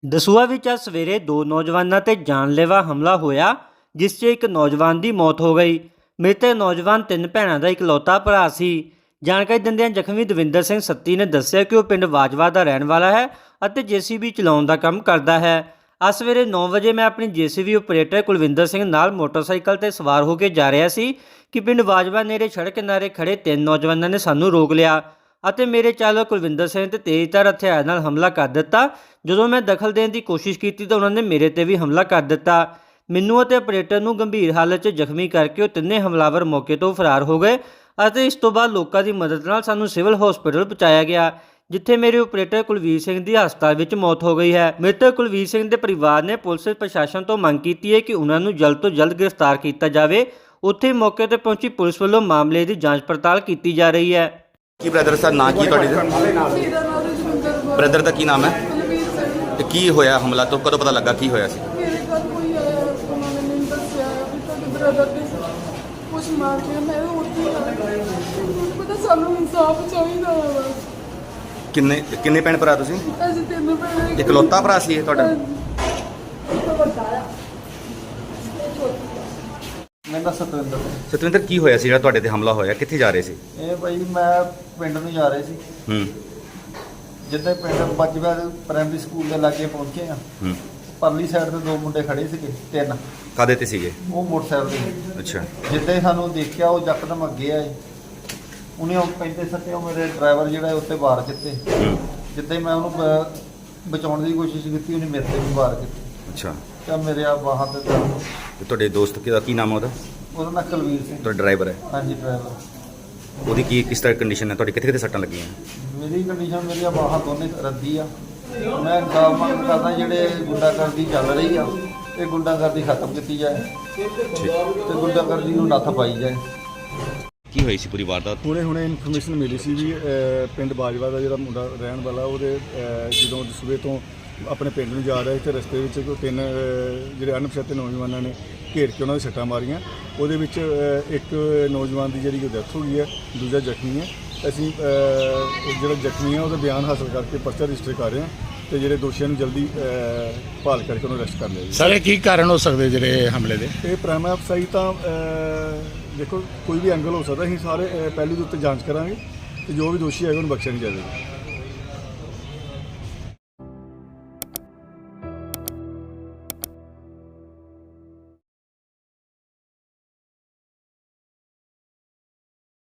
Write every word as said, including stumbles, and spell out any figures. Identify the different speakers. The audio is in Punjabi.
Speaker 1: ਦਸੂਹਾ ਵਿੱਚ ਅੱਜ ਸਵੇਰੇ ਦੋ ਨੌਜਵਾਨਾਂ ਤੇ ਜਾਨਲੇਵਾ ਹਮਲਾ ਹੋਇਆ, ਜਿਸ 'ਚ ਇੱਕ ਨੌਜਵਾਨ ਦੀ ਮੌਤ ਹੋ ਗਈ। ਮ੍ਰਿਤਕ ਨੌਜਵਾਨ ਤਿੰਨ ਭੈਣਾਂ ਦਾ ਇਕਲੌਤਾ ਭਰਾ ਸੀ। ਜਾਣਕਾਰੀ ਦਿੰਦਿਆਂ ਜ਼ਖਮੀ ਦਵਿੰਦਰ ਸਿੰਘ ਸੱਤੀ ਨੇ ਦੱਸਿਆ ਕਿ ਉਹ ਪਿੰਡ ਵਾਜਵਾ ਦਾ ਰਹਿਣ ਵਾਲਾ ਹੈ ਅਤੇ ਜੇਸੀਬੀ ਚਲਾਉਣ ਦਾ ਕੰਮ ਕਰਦਾ ਹੈ। ਅੱਜ ਸਵੇਰੇ ਨੌ ਵਜੇ ਮੈਂ ਆਪਣੀ ਜੇਸੀਬੀ ਆਪਰੇਟਰ ਕੁਲਵਿੰਦਰ ਸਿੰਘ ਨਾਲ ਮੋਟਰਸਾਈਕਲ ਤੇ ਸਵਾਰ ਹੋ ਕੇ ਜਾ ਰਿਹਾ ਸੀ ਕਿ ਪਿੰਡ ਵਾਜਵਾ ਨੇੜੇ ਸੜਕ ਕਿਨਾਰੇ ਖੜੇ ਤਿੰਨ ਨੌਜਵਾਨਾਂ ਨੇ ਸਾਨੂੰ ਰੋਕ ਲਿਆ ਅਤੇ ਮੇਰੇ ਚਾਲਕ ਕੁਲਵਿੰਦਰ ਸਿੰਘ ਤੇ ਤੇਜ਼ਧਾਰ ਹਥਿਆਰ ਨਾਲ ਹਮਲਾ ਕਰ ਦਿੱਤਾ। ਜਦੋਂ ਮੈਂ ਦਖਲ ਦੇਣ ਦੀ ਕੋਸ਼ਿਸ਼ ਕੀਤੀ ਤਾਂ ਉਹਨਾਂ ਨੇ ਮੇਰੇ ਤੇ ਵੀ ਹਮਲਾ ਕਰ ਦਿੱਤਾ। ਮੈਨੂੰ ਅਤੇ ਆਪਰੇਟਰ ਨੂੰ ਗੰਭੀਰ ਹਾਲਤ 'ਚ ਜ਼ਖਮੀ ਕਰਕੇ ਉਹ ਤਿੰਨੇ ਹਮਲਾਵਰ ਮੌਕੇ ਤੋਂ ਫਰਾਰ ਹੋ ਗਏ ਅਤੇ ਇਸ ਤੋਂ ਬਾਅਦ ਲੋਕਾਂ ਦੀ ਮਦਦ ਨਾਲ ਸਾਨੂੰ ਸਿਵਲ ਹਸਪਤਾਲ ਪਹੁੰਚਾਇਆ ਗਿਆ, ਜਿੱਥੇ ਮੇਰੇ ਆਪਰੇਟਰ ਕੁਲਵੀਰ ਸਿੰਘ ਦੀ ਹਸਪਤਾਲ ਵਿੱਚ ਮੌਤ ਹੋ ਗਈ ਹੈ। ਮ੍ਰਿਤਕ ਕੁਲਵੀਰ ਸਿੰਘ ਦੇ ਪਰਿਵਾਰ ਨੇ ਪੁਲਿਸ ਪ੍ਰਸ਼ਾਸਨ ਤੋਂ ਮੰਗ ਕੀਤੀ ਹੈ ਕਿ ਉਹਨਾਂ ਨੂੰ ਜਲਦ ਤੋਂ ਜਲਦ ਗ੍ਰਿਫਤਾਰ ਕੀਤਾ ਜਾਵੇ। ਉੱਥੇ ਮੌਕੇ ਤੇ ਪਹੁੰਚੀ ਪੁਲਿਸ ਵੱਲੋਂ ਮਾਮਲੇ ਦੀ ਜਾਂਚ ਪੜਤਾਲ ਕੀਤੀ ਜਾ ਰਹੀ ਹੈ।
Speaker 2: ਕੀ ਬ੍ਰਦਰ ਦਾ ਨਾਂ ਕੀ ਤੁਹਾਡੇ ਦਾ? ਬ੍ਰਦਰ ਦਾ ਕੀ ਨਾਮ ਹੈ ਤੇ ਕੀ ਹੋਇਆ ਹਮਲਾ? ਤੋਂ ਕਦੋਂ ਪਤਾ ਲੱਗਾ ਕੀ ਹੋਇਆ ਸੀ?
Speaker 3: ਮੇਰੇ ਘਰ ਕੋਈ ਆਇਆ, ਉਹਨਾਂ ਨੇ ਮੈਨੂੰ ਦੱਸਿਆ ਵੀ ਤੁਹਾਡੇ ਬ੍ਰਦਰ ਦੇ ਕੁਛ ਮਾਰ ਕੇ ਮੈਂ ਉੱਥੇ ਆ ਗਈ। ਮੈਨੂੰ ਪਤਾ ਸਾਨੂੰ ਇਨਸਾਫ ਚਾਹੀਦਾ ਵਾ।
Speaker 2: ਕਿੰਨੇ ਕਿੰਨੇ ਭੈਣ ਭਰਾ ਤੁਸੀਂ?
Speaker 3: ਅਸੀਂ ਤਿੰਨ ਭੈਣਾਂ।
Speaker 2: ਇਕਲੌਤਾ ਭਰਾ ਸੀ ਇਹ ਤੁਹਾਡਾ?
Speaker 4: ਮੇਰਾ ਸਤਵਿੰਦਰ।
Speaker 2: ਸਤਵਿੰਦਰ, ਕੀ ਹੋਇਆ ਸੀ ਜਿਹੜਾ ਤੁਹਾਡੇ ਤੇ ਹਮਲਾ ਹੋਇਆ? ਕਿੱਥੇ ਜਾ ਰਹੇ ਸੀ?
Speaker 4: ਇਹ ਭਾਈ ਮੈਂ ਪਿੰਡ ਨੂੰ ਜਾ ਰਹੇ ਸੀ।
Speaker 2: ਹੂੰ
Speaker 4: ਜਿੱਦਾਂ ਪਿੰਡ ਬੱਜਵਾ ਪ੍ਰਾਇਮਰੀ ਸਕੂਲ ਦੇ ਲਾਗੇ ਪਹੁੰਚੇ ਆ,
Speaker 2: ਹੂੰ
Speaker 4: ਪਰਲੀ ਸਾਈਡ ਤੇ ਦੋ ਮੁੰਡੇ ਖੜੇ ਸੀਗੇ, ਤਿੰਨ।
Speaker 2: ਕਾਦੇ ਤੇ ਸੀਗੇ?
Speaker 4: ਉਹ ਮੋਟਰਸਾਈਕਲ ਤੇ।
Speaker 2: ਅੱਛਾ।
Speaker 4: ਜਿੱਦਾਂ ਹੀ ਸਾਨੂੰ ਦੇਖਿਆ ਉਹ ਯਕਦਮ ਅੱਗੇ ਆਏ। ਉਹਨੇ ਉਹ ਪੈਂਦੇ ਸੱਤੇ ਉਹ ਮੇਰੇ ਡਰਾਈਵਰ ਜਿਹੜਾ ਉੱਤੇ ਵਾਰ ਕੀਤੇ।
Speaker 2: ਹੂੰ
Speaker 4: ਜਿੱਦਾਂ ਹੀ ਮੈਂ ਉਹਨੂੰ ਬ- ਬਚਾਉਣ ਦੀ ਕੋਸ਼ਿਸ਼ ਕੀਤੀ, ਉਹਨੇ ਮੇਰੇ ਤੇ ਵੀ ਵਾਰ ਕੀਤੇ।
Speaker 2: ਅੱਛਾ।
Speaker 4: ਤਾਂ ਮੇਰੇ ਆ ਬਾਹਾਂ ਤੇ ਦਰਦ।
Speaker 2: ਤੇ ਤੁਹਾਡੇ ਦੋਸਤ ਦਾ ਕੀ ਨਾਮ ਹੈ? ਉਹਦਾ
Speaker 4: ਉਹਦਾ ਨਾਂ ਕੁਲਵੀਰ ਸਿੰਘ।
Speaker 2: ਤੁਹਾਡਾ ਡਰਾਈਵਰ ਹੈ?
Speaker 4: ਹਾਂਜੀ, ਡਰਾਈਵਰ।
Speaker 2: ਉਹਦੀ ਕੀ ਕਿਸ ਤਰ੍ਹਾਂ ਕੰਡੀਸ਼ਨ ਹੈ? ਤੁਹਾਡੀ ਕਿੱਥੇ ਕਿੱਥੇ ਸੱਟਾਂ ਲੱਗੀਆਂ?
Speaker 4: ਮੇਰੀ ਕੰਡੀਸ਼ਨ, ਮੇਰੀਆਂ ਬਾਹਾਂ ਦੋਨੇ ਰੱਦੀ ਆ। ਮੈਂ ਗਾਲ ਮੰਗ ਕਰਦਾ ਜਿਹੜੇ ਗੁੰਡਾਗਰਦੀ ਚੱਲ ਰਹੀ ਆ, ਇਹ ਗੁੰਡਾਗਰਦੀ ਖਤਮ ਕੀਤੀ ਜਾਏ ਤੇ ਗੁੰਡਾਗਰਦੀ ਨੂੰ ਨੱਥ ਪਾਈ ਜਾਏ।
Speaker 2: ਕੀ ਹੋਈ ਸੀ ਪੂਰੀ ਵਾਰਦਾਤ?
Speaker 5: ਹੁਣੇ ਹੁਣੇ ਇਨਫੋਰਮੇਸ਼ਨ ਮਿਲੀ ਸੀ ਵੀ ਅਹ, ਪਿੰਡ ਬਾਜਵਾ ਦਾ ਜਿਹੜਾ ਮੁੰਡਾ ਰਹਿਣ ਵਾਲਾ, ਉਹਦੇ ਅਹ, ਜਦੋਂ ਸਵੇਰ ਤੋਂ ਆਪਣੇ ਪਿੰਡ ਨੂੰ ਜਾ ਰਿਹਾ ਸੀ ਤੇ ਰਸਤੇ ਵਿੱਚ ਕੋਈ ਤਿੰਨ ਅਹ, ਜਿਹੜੇ ਅਣਪਛਾਤੇ ਨੌਜਵਾਨਾਂ ਨੇ ਘੇਰ ਕੇ ਉਹਨਾਂ ਦੇ ਸੱਟਾਂ ਮਾਰੀਆਂ। ਉਹਦੇ ਵਿੱਚ ਅਹ, ਇੱਕ ਨੌਜਵਾਨ ਦੀ ਜਿਹੜੀ ਡੈਥ ਹੋ ਗਈ ਹੈ, ਦੂਜਾ ਜ਼ਖਮੀ ਹੈ। ਅਸੀਂ ਅਹ, ਜਿਹੜਾ ਜ਼ਖਮੀ ਹੈ ਉਹਦਾ ਬਿਆਨ ਹਾਸਲ ਕਰਕੇ ਪਰਚਾ ਰਜਿਸਟਰ ਕਰ ਰਹੇ ਹਾਂ ਤੇ ਜਿਹੜੇ ਦੋਸ਼ੀਆਂ ਨੂੰ ਜਲਦੀ ਅਹ, ਭਾਲ ਕਰਕੇ ਉਹਨੂੰ ਅਰੈਸਟ ਕਰ ਲਿਆ ਜੀ।
Speaker 6: ਸਰ, ਇਹ ਕੀ ਕਾਰਨ ਹੋ ਸਕਦੇ ਜਿਹੜੇ ਹਮਲੇ ਦੇ?
Speaker 5: ਇਹ ਪ੍ਰਾਈਮ ਅਫਸਾਈ ਤਾਂ ਅਹ, ਦੇਖੋ ਕੋਈ ਵੀ ਐਂਗਲ ਹੋ ਸਕਦਾ। ਅਸੀਂ ਸਾਰੇ ਅਹ, ਪਹਿਲੂ ਦੇ ਉੱਤੇ ਜਾਂਚ ਕਰਾਂਗੇ ਤੇ ਜੋ ਵੀ ਦੋਸ਼ੀ ਹੈਗਾ ਉਹਨੂੰ ਬਖਸ਼ਿਆ ਨਹੀਂ ਜਾਵੇਗਾ।